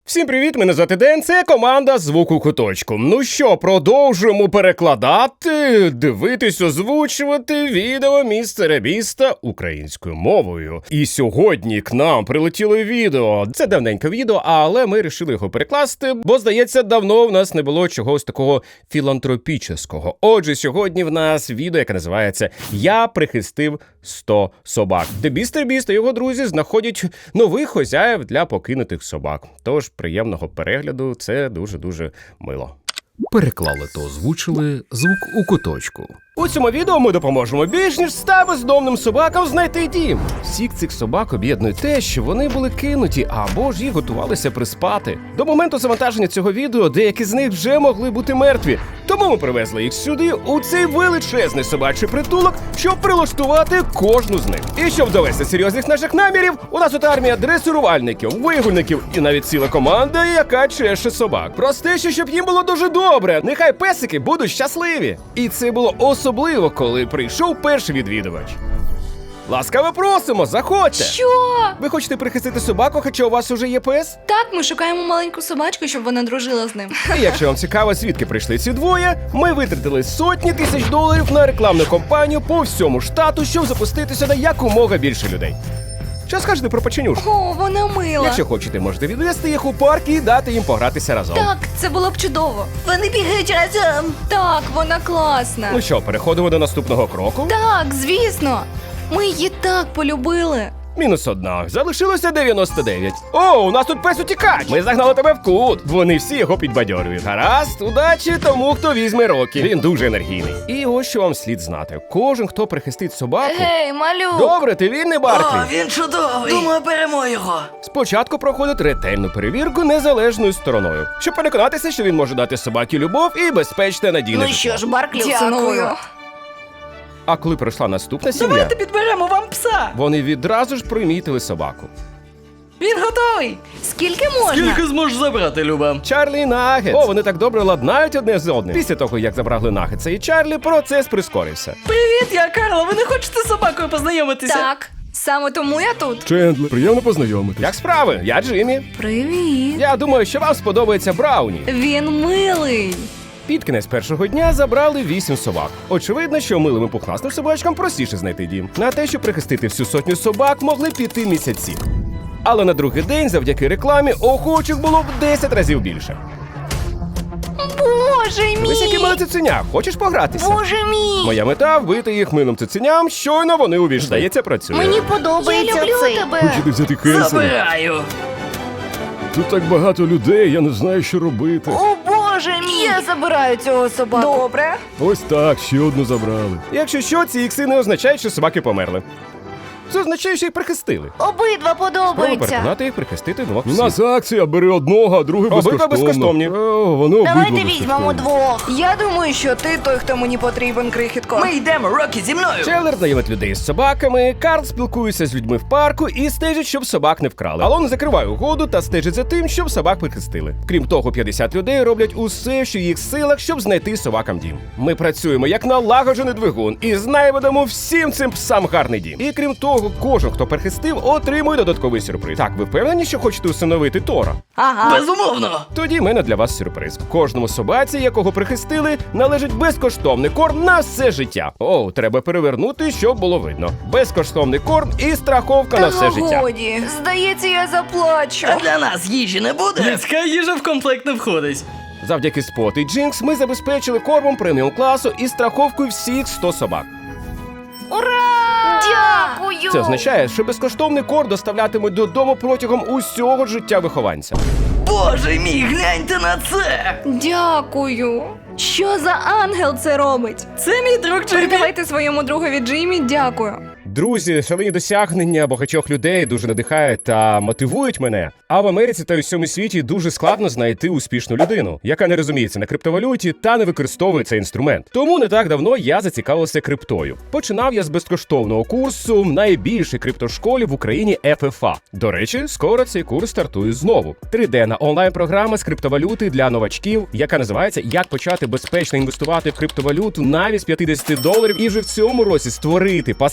Всім привіт, мене звати Ден, це команда «Звук у куточку». Ну що, продовжуємо перекладати, дивитись, озвучувати відео містера Біста українською мовою. І сьогодні к нам прилетіло відео. Це давненьке відео, але ми вирішили його перекласти, бо, здається, давно в нас не було чогось такого філантропічного. Отже, сьогодні в нас відео, яке називається «Я прихистив 100 собак», де містер Біст та його друзі знаходять нових хозяїв для покинутих собак. Тож, приємного перегляду, це дуже-дуже мило. Переклали та озвучили «Звук у куточку». У цьому відео ми допоможемо більш ніж 100 бездомним собакам знайти дім. Всіх цих собак об'єднує те, що вони були кинуті, або ж їх готувалися приспати. До моменту завантаження цього відео деякі з них вже могли бути мертві. Тому ми привезли їх сюди, у цей величезний собачий притулок, щоб прилаштувати кожну з них. І щоб довести серйозних наших намірів, у нас тут армія дресирувальників, вигульників і навіть ціла команда, яка чеше собак. Простіше, щоб їм було дуже добре. Нехай песики будуть щасливі. І це було особливо, коли прийшов перший відвідувач. Ласкаво просимо, заходьте! Що? Ви хочете прихистити собаку, хоча у вас уже є пес? Так, ми шукаємо маленьку собачку, щоб вона дружила з ним. І якщо вам цікаво, звідки прийшли ці двоє, ми витратили сотні тисяч доларів на рекламну кампанію по всьому штату, щоб запустити сюди якомога більше людей. Що скажете про печенюшку? О, вона мила. Якщо хочете, можете відвести їх у парк і дати їм погратися разом. Так, це було б чудово. Вони бігають разом. Так, вона класна. Ну що, переходимо до наступного кроку? Так, звісно. Ми її так полюбили. -1. Залишилося 99. О, у нас тут пес утікач! Ми загнали тебе в кут. Вони всі його підбадьорюють. Гаразд, удачі тому, хто візьме Рокі. Він дуже енергійний. І ось що вам слід знати. Кожен, хто прихистить собаку... Гей, малюк! Добре, ти вільний, Барклі? О, він чудовий! Думаю, беремо його. Спочатку проходить ретельну перевірку незалежною стороною, щоб переконатися, що він може дати собаці любов і безпечне надійне Ну житло. що ж, Барклі, Дякую. ціную. А коли прийшла наступна сім'я, Давайте підберемо вам пса. вони відразу ж примітили собаку. Він готовий. Скільки можна? зможеш забрати, Люба? Чарлі і Нагетс. О, вони так добре ладнають одне з одним. Після того, як забрали Нагетса і Чарлі, процес прискорився. Привіт, я Карла. Ви не хочете з собакою познайомитися? Так, саме тому я тут. Чендлер, приємно познайомитись. Як справи? Я Джиммі. Привіт. Я думаю, що вам сподобається Брауні. Він милий. Під кінець першого дня забрали 8 собак. Очевидно, що милим і пухнастим собачкам простіше знайти дім. На те, щоб прихистити всю сотню собак, могли піти місяці. Але на другий день, завдяки рекламі, охочих було в 10 разів більше. Боже Ось які мій! мали цуценя. Хочеш погратися? Боже мій! Моя мета – вбити їх милим цуценям, щойно вони увійшли. Здається, працює. Мені подобається Я люблю цей. тебе. Хочете взяти Кенсона? Забираю. Тут так багато людей, я не знаю, що робити. О, Боже мій! Я забираю цього собаку. Добре. Ось так, ще одну забрали. Якщо що, ці ікси не означають, що собаки померли. Це означає, що їх прихистили. Обидва Спробуй подобаються. переконати їх прихистити двох У псів. нас акція, бери одного, а другий Обидва безкоштовно. безкоштовні. О, вони обидва Давайте безкоштовні. візьмемо двох. Я думаю, що ти той, хто мені потрібен, крихітко. Ми йдемо, Рокі, зі мною. Челлер знайомить людей з собаками, Карл спілкується з людьми в парку і стежить, щоб собак не вкрали. Алон закриває угоду та стежить за тим, щоб собак прихистили. Крім того, 50 людей роблять усе, що в їх силах, щоб знайти собакам дім. Ми працюємо як налагоджений двигун і знайдемо всім цим псам гарний дім. І крім того, кожен, хто прихистив, отримує додатковий сюрприз. Так, ви впевнені, що хочете усиновити Тора? Ага. Безумовно. Тоді в мене для вас сюрприз. Кожному собаці, якого прихистили, належить безкоштовний корм на все життя. О, треба перевернути, щоб було видно. Безкоштовний корм і страховка на все життя. Годі. Здається, я заплачу. А для нас їжі не буде? Людська їжа в комплект не входить. Завдяки Спот і Джинкс ми забезпечили кормом преміум класу і страховкою всіх 100 собак. Дякую. Це означає, що безкоштовний корм доставлятимуть додому протягом усього життя вихованця. Боже мій, гляньте на це. Дякую. Що за ангел це робить? Це мій друг Джиммі. Передавайте своєму другові Джиммі дякую. Друзі, шалені досягнення багатьох людей дуже надихають та мотивують мене. А в Америці та у всьому світі дуже складно знайти успішну людину, яка не розуміється на криптовалюті та не використовує цей інструмент. Тому не так давно я зацікавився криптою. Починав я з безкоштовного курсу в найбільшій криптошколі в Україні FFA. До речі, скоро цей курс стартує знову. 3D онлайн-програма з криптовалюти для новачків, яка називається «Як почати безпечно інвестувати в криптовалюту навіть з $50 і вже в цьому році створити пасивний дохід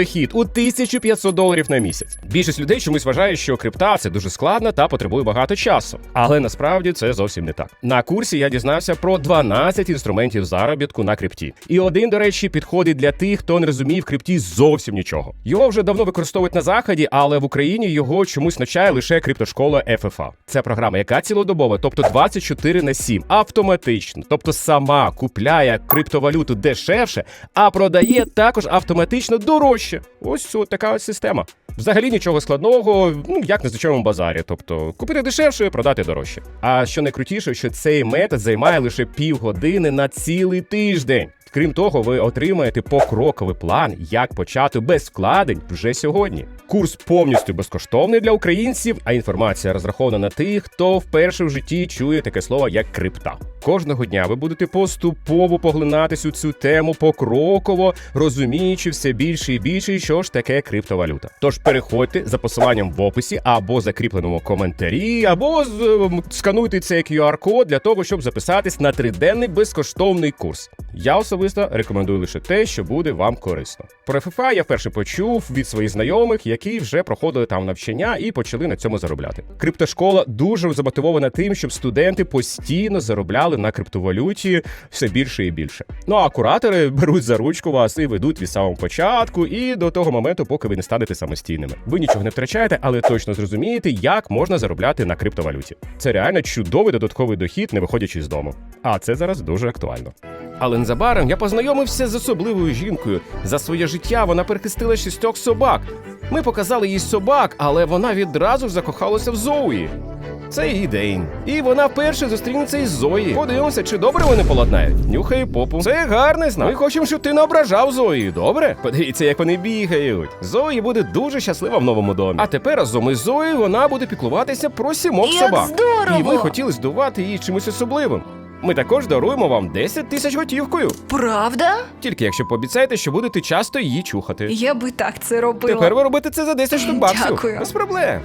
дохід у $1500 на місяць. Більшість людей чомусь вважає, що крипта це дуже складно та потребує багато часу. Але насправді це зовсім не так. На курсі я дізнався про 12 інструментів заробітку на крипті. І один, до речі, підходить для тих, хто не розуміє в крипті зовсім нічого. Його вже давно використовують на заході, але в Україні його чомусь навчає лише криптошкола FFA. Це програма, яка цілодобова, тобто 24/7, автоматично, тобто сама купляє криптовалюту дешевше, а продає також автоматично дорожче. Ось така ось система. Взагалі нічого складного, як на звичайному базарі, тобто купити дешевше, продати дорожче. А що найкрутіше, що цей метод займає лише півгодини на цілий тиждень. Крім того, ви отримаєте покроковий план, як почати без вкладень вже сьогодні. Курс повністю безкоштовний для українців, а інформація розрахована на тих, хто вперше в житті чує таке слово, як крипта. Кожного дня ви будете поступово поглинатись у цю тему покроково, розуміючи все більше і більше, що ж таке криптовалюта. Тож переходьте за посиланням в описі або закріпленому коментарі, або скануйте цей QR-код для того, щоб записатись на 3-денний безкоштовний курс. Я особисто рекомендую лише те, що буде вам корисно. Про FFA я вперше почув від своїх знайомих, які вже проходили там навчання і почали на цьому заробляти. Криптошкола дуже замотивована тим, щоб студенти постійно заробляли на криптовалюті все більше і більше. Ну а куратори беруть за ручку вас і ведуть від самого початку і до того моменту, поки ви не станете самостійними. Ви нічого не втрачаєте, але точно зрозумієте, як можна заробляти на криптовалюті. Це реально чудовий додатковий дохід, не виходячи з дому. А це зараз дуже актуально. Але незабаром я познайомився з особливою жінкою. За своє життя вона перехистила 6 собак. Ми показали їй собак, але вона відразу ж закохалася в Зоуї. Це її день. І вона вперше зустрінеться із Зої. Подивимося, чи добре вони поладнають. Нюхає попу. Це гарний знак. Ми хочемо, щоб ти не ображав Зої, добре? Подивіться, як вони бігають. Зої буде дуже щаслива в новому домі. А тепер разом із Зоєю вона буде піклуватися про 7 Як собак. здорово! І ми хотіли здивувати її чимось особливим. Ми також даруємо вам 10 тисяч готівкою. Правда? Тільки якщо пообіцяєте, що будете часто її чухати. Я би так це робила. Тепер ви робите це за 10 штук баксів. Дякую. Без проблем.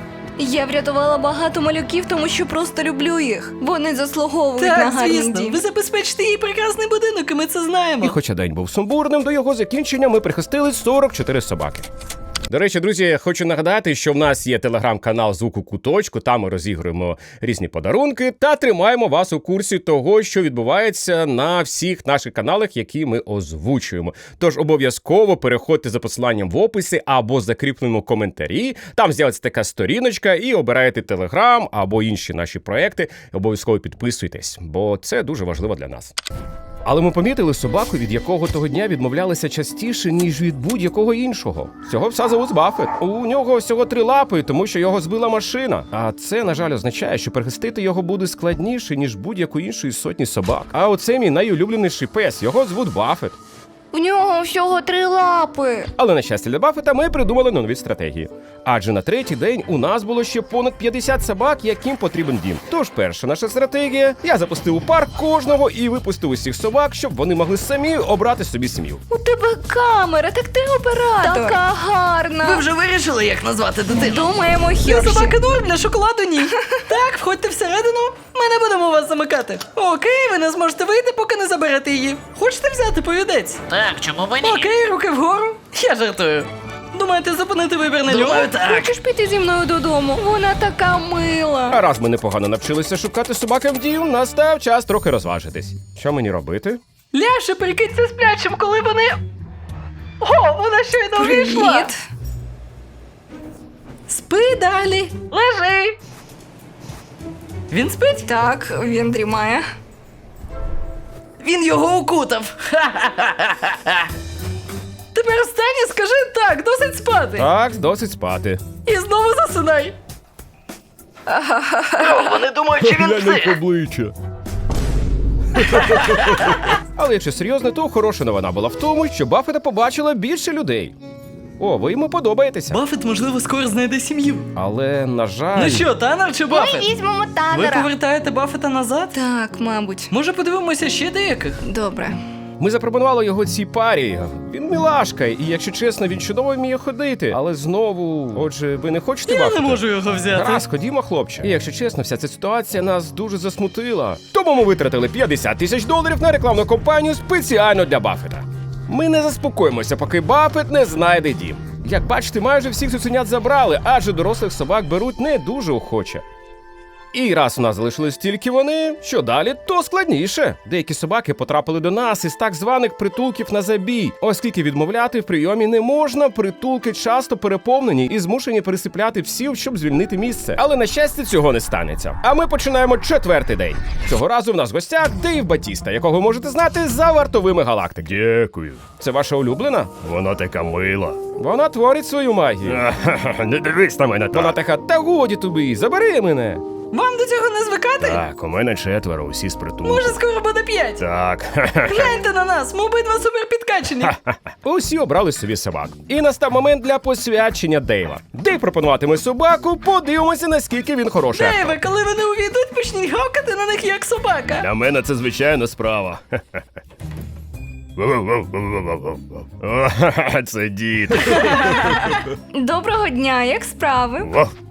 Я врятувала багато малюків, тому що просто люблю їх. Вони заслуговують на Так, гарний звісно, дім. ви забезпечите їй прекрасний будинок, і ми це знаємо. І хоча день був сумбурним, до його закінчення ми прихистили 44 собаки. До речі, друзі, хочу нагадати, що в нас є телеграм-канал «Звук у куточку», там ми розігруємо різні подарунки та тримаємо вас у курсі того, що відбувається на всіх наших каналах, які ми озвучуємо. Тож обов'язково переходьте за посиланням в описі або закріпленому коментарі, там з'явиться така сторіночка і обираєте телеграм або інші наші проекти. Обов'язково підписуйтесь, бо це дуже важливо для нас. Але ми помітили собаку, від якого того дня відмовлялися частіше, ніж від будь-якого іншого. Цього пса зовуть Баффет. У нього всього 3 лапи, тому що його збила машина. А це, на жаль, означає, що перехистити його буде складніше, ніж будь-яку іншої сотні собак. А оце мій найулюбленіший пес, його звуть Баффет. У нього всього 3 лапи. Але, на щастя для Баффета, ми придумали нові стратегії. Адже на 3-й день у нас було ще понад 50 собак, яким потрібен дім. Тож перша наша стратегія – я запустив у парк кожного і випустив усіх собак, щоб вони могли самі обрати собі сім'ю. У тебе камера, так ти оператор. Така гарна. Ви вже вирішили, як назвати дитину? Думаємо, Для Херші. собаки норм, для шоколаду ні. Так, входьте всередину, ми не будемо вас замикати. Окей, ви не зможете вийти, поки не заберете її. Хочете взяти повідець? Так, чому б ні? Окей, руки вгору. Я жартую. Думаєте зупинити вибір на нього? Думаю, так. Хочеш піти зі мною додому? Вона така мила. А раз ми непогано навчилися шукати собакам дім, настав час трохи розважитись. Що мені робити? Ляше, прикинься сплячим, коли вони... О, вона щойно вийшла. Привіт. Спи далі. Лежи. Він спить? Так, він дрімає. Він його укутав. Тепер встань і скажи так, досить спати. Так, досить спати. І знову засинай. Вони думають, що він Глянь на псих. обличчя. Але якщо серйозно, то хороша новина була в тому, що Баффета побачила більше людей. О, ви йому подобаєтеся. Баффет, можливо, скоро знайде сім'ю. Але, на жаль... Ну що, Танер чи Баффет? Візьмемо Ви Танера. повертаєте Баффета назад? Так, мабуть. Може, подивимося ще деяких? Добре. Ми запропонували його цій парі. Він мілашка, і, якщо чесно, він чудово вміє ходити. Але знову, отже, ви не хочете Я не Баффета? можу його взяти. Гаразд, ходімо, хлопче. І якщо чесно, вся ця ситуація нас дуже засмутила. Тому ми витратили $50 тисяч на рекламну кампанію спеціально для Баффета. Ми не заспокоїмося, поки Баффет не знайде дім. Як бачите, майже всіх цуценят забрали, адже дорослих собак беруть не дуже охоче. І раз у нас залишились тільки вони, що далі, то складніше. Деякі собаки потрапили до нас із так званих притулків на забій. Оскільки відмовляти в прийомі не можна, притулки часто переповнені і змушені пересипляти всіх, щоб звільнити місце. Але на щастя цього не станеться. А ми починаємо 4-й день. Цього разу в нас в гостях Дейв Батіста, якого ви можете знати за вартовими галактики. Дякую. Це ваша улюблена? Вона така мила. Вона творить свою магію. Не дивись на мене Вона так. така, та годі тобі, забери мене. Вам до цього не звикати? Так, у мене 4, усі з притулку. Може, скоро буде 5. Так. Гляньте на нас, ми обидва супер підкачені. Усі обрали собі собак. І настав момент для посвячення Дейва. Дейв пропонуватиме собаку, подивимося, наскільки він хороший. актор. Дейве, коли вони увійдуть, почніть гавкати на них як собака. Для мене це звичайна справа. Це дід. Доброго дня, як справи?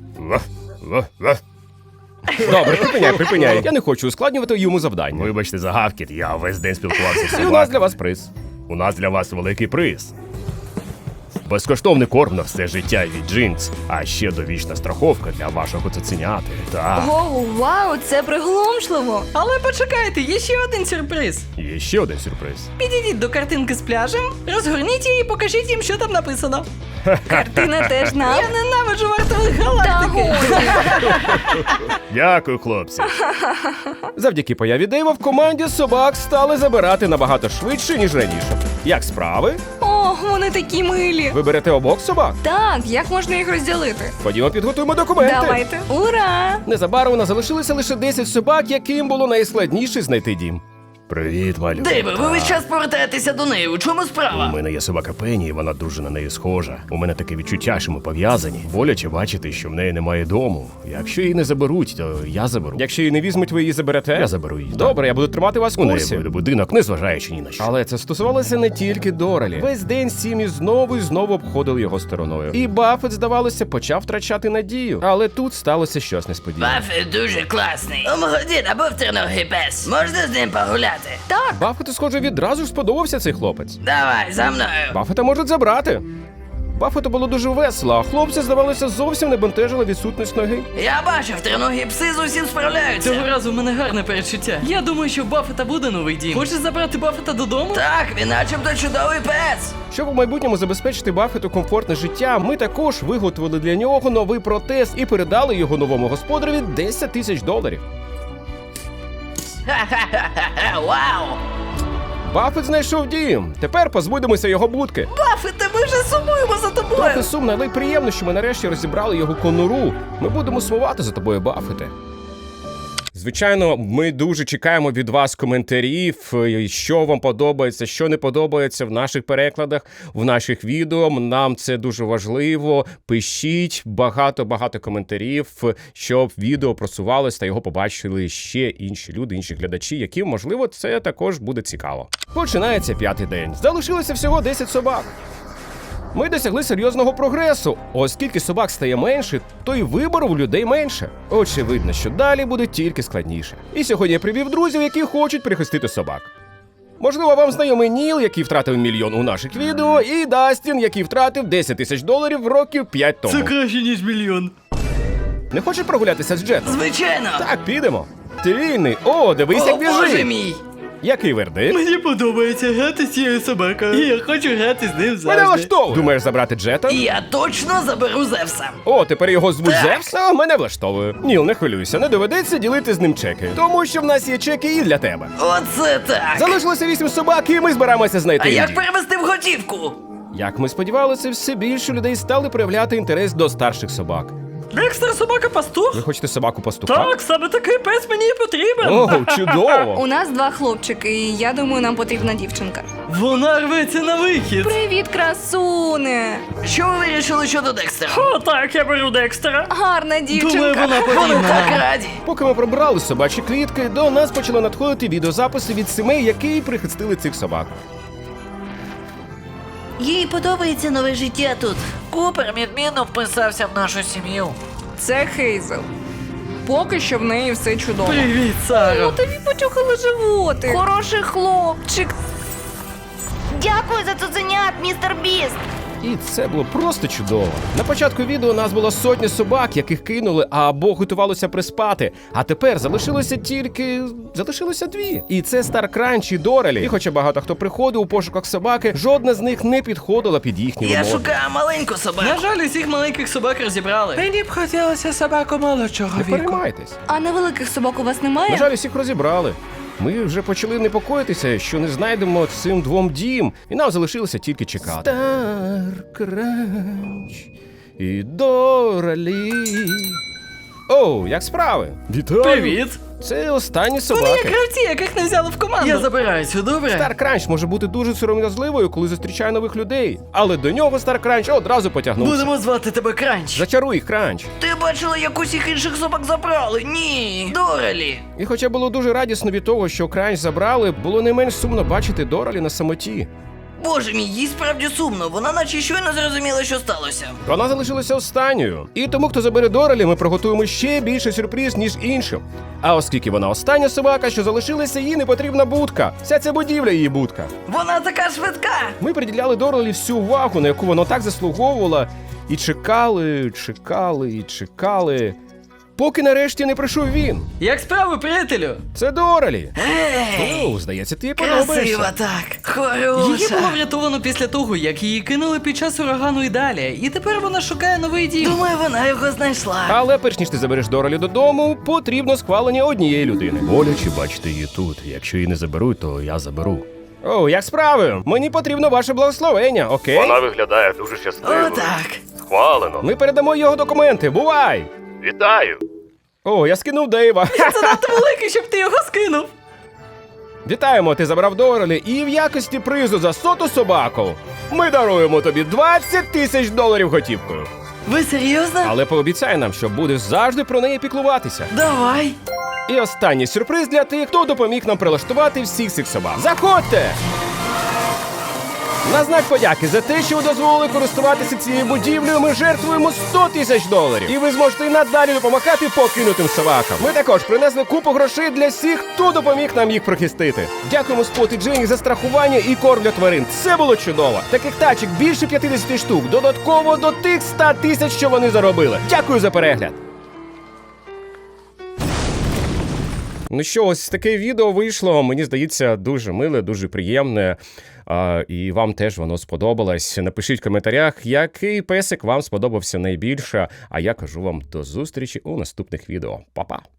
Добре, припиняй. Я не хочу ускладнювати йому завдання. Вибачте за гавкіт, я весь день спілкувався з І у собаками. нас для вас приз. У нас для вас великий приз. Безкоштовний корм на все життя від Джинс, а ще довічна страховка для вашого цуценяти. Так, Оу, вау, це приголомшливо. Але почекайте, є ще один сюрприз. є ще один сюрприз. Підійдіть до картинки з пляжем, розгорніть її і покажіть їм, що там написано. Картина теж нам. Я ненавиджу вартових Та галактики. годі. Дякую, хлопці. Завдяки появі Дейва в команді собак стали забирати набагато швидше, ніж раніше. Як справи? О, вони такі милі. Ви берете обох собак? Так, як можна їх розділити? Ходімо, підготуємо документи. Давайте. Ура! Незабаром у нас залишилося лише 10 собак, яким було найскладніше знайти дім. Привіт, малюк. Дейве, ви весь час повертаєтеся до неї. У чому У справа? мене є собака Пенні, і вона дуже на неї схожа. У мене таке відчуття, що ми пов'язані. Боляче бачити, що в неї немає дому. Якщо її не заберуть, то я заберу. Якщо її не візьмуть, ви її заберете? Я заберу її. Добре, я буду тримати вас в У неї курсі. буде будинок, незважаючи ні на що. Але це стосувалося не тільки Дорелі. Весь день сім'ї знову і знову обходили його стороною. І Баффет, здавалося, почав втрачати надію. Але тут сталося щось несподіване. Баффет дуже класний. У мого діда був триногий пес. Можна з ним погуляти? Так, Баффету, схоже, відразу ж сподобався цей хлопець. Давай, за мною. Баффета можуть забрати. Баффету було дуже весело, а хлопця, здавалося, зовсім не бентежила відсутність ноги. Я бачив, триногі пси з усім справляються. Цього разу в мене гарне передчуття. Я думаю, що в Баффета буде новий дім. Хочеш забрати Баффета додому? Так, він начебто чудовий пес. Щоб у майбутньому забезпечити Баффету комфортне життя, ми також виготовили для нього новий протез і передали його новому господареві $10 000. Ха-ха-ха-ха, вау. Баффет знайшов дім. Тепер позбудемося його будки. Баффете, ми вже сумуємо за тобою. Трохи сумно, але й приємно, що ми нарешті розібрали його конуру. Ми будемо сумувати за тобою, Баффете. Звичайно, ми дуже чекаємо від вас коментарів, що вам подобається, що не подобається в наших перекладах, в наших відео. Нам це дуже важливо. Пишіть багато коментарів, щоб відео просувалось та його побачили ще інші люди, інші глядачі, яким, можливо, це також буде цікаво. Починається 5-й день. Залишилося всього 10 собак. Ми досягли серйозного прогресу. Оскільки собак стає менше, то й вибору в людей менше. Очевидно, що далі буде тільки складніше. І сьогодні я привів друзів, які хочуть прихистити собак. Можливо, вам знайомий Ніл, який втратив $1 мільйон у наших відео, і Дастін, який втратив $10 000 років 5 тому. краще, ніж мільйон. Не хочеш прогулятися з Джетом? Звичайно. Так, підемо. Ти вільний. О, дивись, О, як боже біжить. мій. Який вердикт? Мені подобається грати з цією собакою. І я хочу грати з ним завжди. Мене влаштовує. Думаєш забрати Джета? І я точно заберу Зевса. О, тепер його звуть Так. Зевс? А, мене влаштовує. Ніл, не хвилюйся, не доведеться ділити з ним чеки. Тому що в нас є чеки і для тебе. Оце так. Залишилося 8 собак, і ми збираємося знайти А як дім. перевести в готівку? Як ми сподівалися, все більше людей стали проявляти інтерес до старших собак. Декстер собака-пастух? Ви хочете собаку пастуха? Так, саме такий пес мені і потрібен. О, чудово! у нас 2 хлопчики, і я думаю, нам потрібна дівчинка. Вона рветься на вихід. Привіт, красуне! Що ви вирішили щодо Декстера? О, так, я беру Декстера. Гарна Думаю, дівчинка. вона Вони потрібна так нам. раді. Поки ми прибрали собачі клітки, до нас почали надходити відеозаписи від сімей, які прихистили цих собак. Їй подобається нове життя тут. Купер відмінно вписався в нашу сім'ю. Це Хейзел. Поки що в неї все чудово. Привіт, Саро. Ну тобі почухали животик. Хороший хлопчик. Дякую за цуценят, містер Біст. І це було просто чудово. На початку відео у нас було сотні собак, яких кинули або готувалося приспати. А тепер залишилося дві. І це Стар Кранч і Дорелі. І хоча багато хто приходив у пошуках собаки, жодна з них не підходила під їхні Я вимоги. шукаю маленьку собаку. На жаль, усіх маленьких собак розібрали. Мені б хотілося собаку молодшого Не віку. переймайтесь. А невеликих собак у вас немає? На жаль, усіх розібрали. Ми вже почали непокоїтися, що не знайдемо цим двом дім, і нам залишилося тільки чекати. Стар Кранч і Дорелі. Оу, як справи? Вітаю! Привіт! Це останні Вони собаки. як гравці, яких не взяли в команду. Я забираю цю, добре? Стар Кранч може бути дуже сором'язливою, коли зустрічає нових людей. Але до нього Стар Кранч одразу потягнувся. Будемо звати тебе Кранч. Зачаруй їх, Кранч. Ти бачила, як усіх інших собак забрали? Ні. Дорелі. І хоча було дуже радісно від того, що Кранч забрали, було не менш сумно бачити Дорелі на самоті. Боже мій, їй справді сумно. Вона наче щойно зрозуміла, що сталося. Вона залишилася останньою. І тому, хто забере Дорелі, ми приготуємо ще більше сюрприз, ніж іншим. А оскільки вона остання собака, що залишилася, їй не потрібна будка. Вся ця будівля її будка. Вона така швидка. Ми приділяли Дорелі всю увагу, на яку воно так заслуговувало, і чекали, поки нарешті не прийшов він. Як справи, приятелю? Це Дорелі. Ей, Оу, здається, ти їй подобаєшся. красива так. Її Хороша. було врятовано після того, як її кинули під час урагану і далі. І тепер вона шукає новий дім. Думаю, вона його знайшла. Але перш ніж ти забереш Дорелі додому, потрібно схвалення однієї людини. Боляче бачити її тут. Якщо її не заберуть, то я заберу. Оу, як справи? Мені потрібно ваше благословення, окей? Виглядає дуже щасливо. Отак. Схвалено. Ми передамо його документи. Бувай! Вітаю! О, я скинув Дейва. Це надто великий, щоб ти його скинув. Вітаємо, ти забрав Дорелі, і в якості призу за 100-ту собаку ми даруємо тобі $20 000 готівкою. Ви серйозно? Але пообіцяй нам, що будеш завжди про неї піклуватися. Давай. І останній сюрприз для тих, хто допоміг нам прилаштувати всіх цих собак. Заходьте! На знак подяки за те, що ви дозволили користуватися цією будівлею, ми жертвуємо $100 000. І ви зможете і надалі допомагати покинутим собакам. Ми також принесли купу грошей для всіх, хто допоміг нам їх прихистити. Дякуємо Спот і Дженні за страхування і корм для тварин. Це було чудово. Таких тачок більше 50 штук, додатково до тих 100 000, що вони заробили. Дякую за перегляд. Ну що, ось таке відео вийшло, мені здається, дуже миле, дуже приємне, і вам теж воно сподобалось. Напишіть в коментарях, який песик вам сподобався найбільше, а я кажу вам до зустрічі у наступних відео. Па-па!